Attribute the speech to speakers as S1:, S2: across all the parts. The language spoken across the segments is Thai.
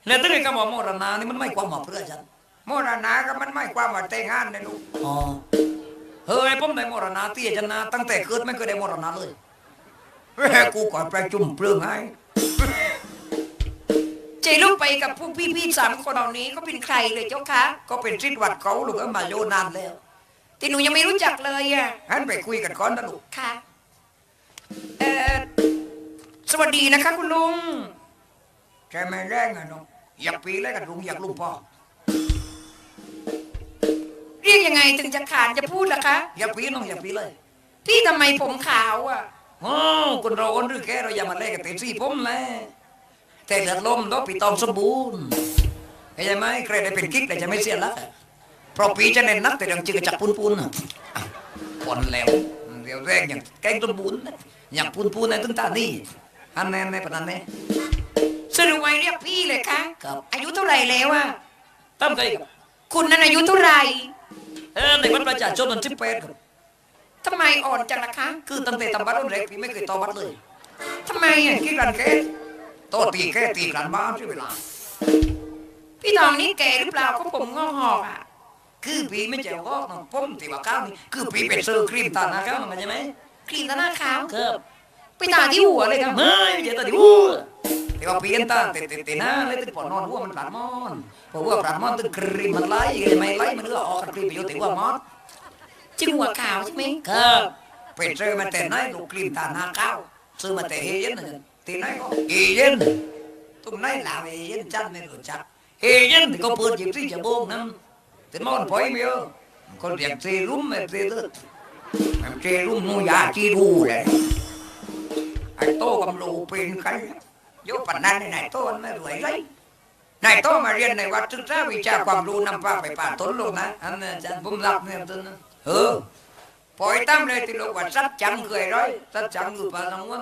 S1: แล้วตั้งแต่คำว่าโมรณานี่มันไม่ความหมายเพื่อฉัน
S2: โมรณะก็มันไม่ความว่าแต่งงานนะลูก
S1: อ๋อเฮ้ยผมได้โมรณาเตี้ยจันนาตั้งแต่เกิดไม่เคยได้โมรณาเลย
S2: กูก่อนประชุมเปลืองให้
S3: ใจลูกไปกับพวกพี่ๆ3 คนเหล่านี้ก็เป็นใครเลยเจ้าคะ
S2: ก็เป็นชิดวัดเขาลูกก็มาโยนานแล้ว
S3: แต่หนูยังไม่รู้จักเลยอ่ะ
S2: หันไปคุยกันก่อนนะลูก
S3: ค่ะเอ่อสวัสดีนะคะคุณลุง
S2: ใช่ไหมแรงอะน้องอยากปีแล้วกันลุงอยากลูกพ่อ
S3: เรียกยังไงถึงจะขานจะพูดล่ะคะ
S1: อย่าปีน้องอย่าปีเลย
S3: พี่ทำไมผมขาวอ่ะ
S1: โอ้คนเราคนหรือแกเราอย่ามาเล่นกันเต็มที่ผมแหละแต่เลือดลมต้องปีตองสมบูรณ์เข้าใจไหมใครได้เป็นกิ๊กแต่จะไม่เสียละเพราะปีจะเน้นนักแต่ดังจืดจักปูนอ่ะปนแล้วเดี๋ยวแรกอย่างแกงสมบูรณ์อย่างปูนในตึ้งตานี่อันแน่ในปนันแน่
S3: สรุปไว้เรียกพี่เลยคะ
S1: ครับ
S3: อายุเท่าไหร่แล้วอ่ะ
S1: ตั้มใจกับ
S3: คุณนั้นอายุเท่าไหร่
S1: ในวัดประชาชนมัน18ครับ
S3: ทำไมอ่อนจังล่ะคะ
S1: คือตั้งแต่ทำบัตรรุ่นแรกพี่ไม่เคยต่อบัตรเลย
S3: ทำไมอ่ะ
S2: คิดกันแค่
S1: โตตีแค่ตีกันบ้านใช่เวลา
S3: พี่ทองนี่แก่หรือเปล่าก็ผมงอกหอกอ่ะ
S1: คือพี่ไม่เจ้าก็น้องผมตีว่าข้าวนี่คือพี่เป็นเซอร์ครีมตาหน้าข้าวมันใช่ไหม
S3: ครีมหน้าขาว
S1: ครับ
S3: ไปตาที่หัวเลยครับ
S1: ไม่เจ้าตาดิวูแต่ว่าพี่เห็นตาเตหน้าเลยตึกปอนอนหัวมันปลาดมอนเพราะว่าปลาดมอนตึกครีมมันไล่ไม่ไล่มันก็ออกครีมไปอยู่แต่ว่ามอส
S3: จึงหัวขาวใช่ไหม
S1: ครับ
S2: เป็นเจอมาแต่ไหนลูกครีมตาหน้าข้าว
S1: ซื้อมาแต่เฮเย็นนะ
S2: ที่ไหนก็
S1: เฮเย็น
S2: ตรงไหนลาวเย็นจันไม่รู้จัก
S1: เฮเย็นที่เขาเปิดหยิบที่จะโบงนั้นแต่มอนพอยไม่เยอะคนเรียกเซรุ่มไม่เซเตอร์
S2: มันเจรุ่มนูยาจีดูเลยไอ้โตกำลูเป็นใครโยปันนั้นไอ้โตมันไม่รวยเลยนายโตมาเรียนในวัดศึกษาวิชาความรู้นำพาไปป่าต้นลงนะ
S1: อันนั้นอาจารย์ผมรับเนี่ยตัวนั้น
S2: ปล่อยตั้มเลยที่ลูกว่าสัดจังเคยร้อย
S1: ถ้าจังอยู่ป่าน้องวัน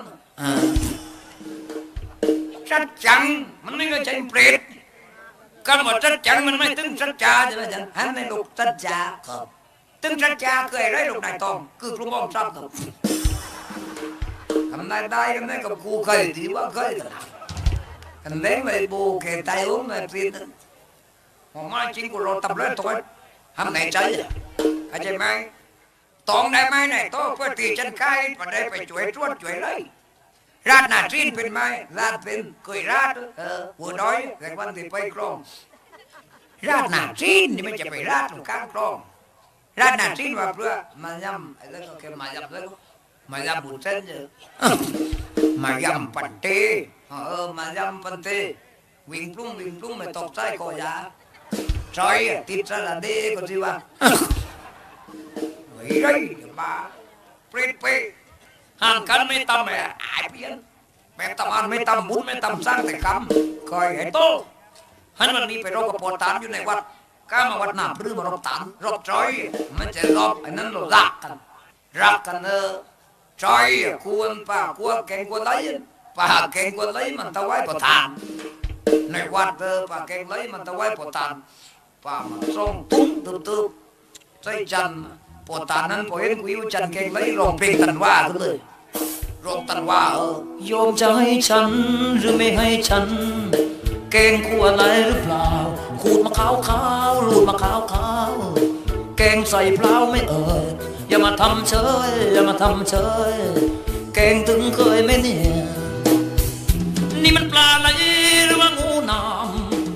S2: สัดจัง
S1: มันไม่ก็ใจเปรตก็หมดสัจจังมันไม่ตึงสัจจาใช่ไหมอาจารย์
S2: หันในลูกสัดจา
S1: ครับ
S2: ตึงสัดจาเคยร้อยลูกนายตอง
S1: คือกลุ่มมองทรัพย์ครับ
S2: ทำได้กันได้กับกูเคยดีว่าเคยกันเล่นเลยบูเกตายอุ้มเลยปีนผมมาจริงกูรอตับเลยตัวทำไหนใจเข้าใจไหมตองได้ไหมเนี่ยโตเพื่อตีฉันไก่พอได้ไปช่วยตรวจช่วยเลยราดหน้าจีนเป็นไหมราดเป็นเคยราดหัวน้อยแต่วันที่ไปคลองราดหน้าจีนนี่ไม่จะไปราดตรงกลางคลองราดหน้าจีนว่าเพื่อมายำไอ้เรื่องก็แค่มายำแล้วมายำบุญเส้นเยอะมายำปันเตมายำปันเตวิ่งปลุ้งไม่ตกใจคอยาซอยติดสระเดก็สิว่าเฮ้ยมาเปรตเป
S1: ห่างกันไม่ต่ำแม่
S2: ไอ้เพี้ยนแม่ตำอันไม่ตำบุญไม่ตำสร้างแต่คำคอยให้โต
S1: ฮันมันมีไปรบกับปอตานอยู่ในวัดก้ามาวัดหนาพรือมารบตาน
S2: รบจอยมันจะรบไอ้นั้นเรารักกันจอยควรป่าควรแกงควรไหลป่าแกงควรไหลมันตะไว้ปะทานในวัดป่าแกงไหลมันตะไว้ปะทานป่ามันส่งตุ้งตึบใส่จันปะทานนั้นพอเห็นกุยจันแกงไหลร้องเพลงตันว่าขึ้นเลยร้องตันว่า
S1: โยมจะให้ฉันหรือไม่ให้ฉัน เกงขัวอะไรหรือเปล่าขูดมะขาวขาวรูดมะขาวขาวแกงใส่เปล่าไม่เอ่ยอย่ามาทำเฉยอย่ามาทำเฉยแกงถึงเคยไหมเนี่ย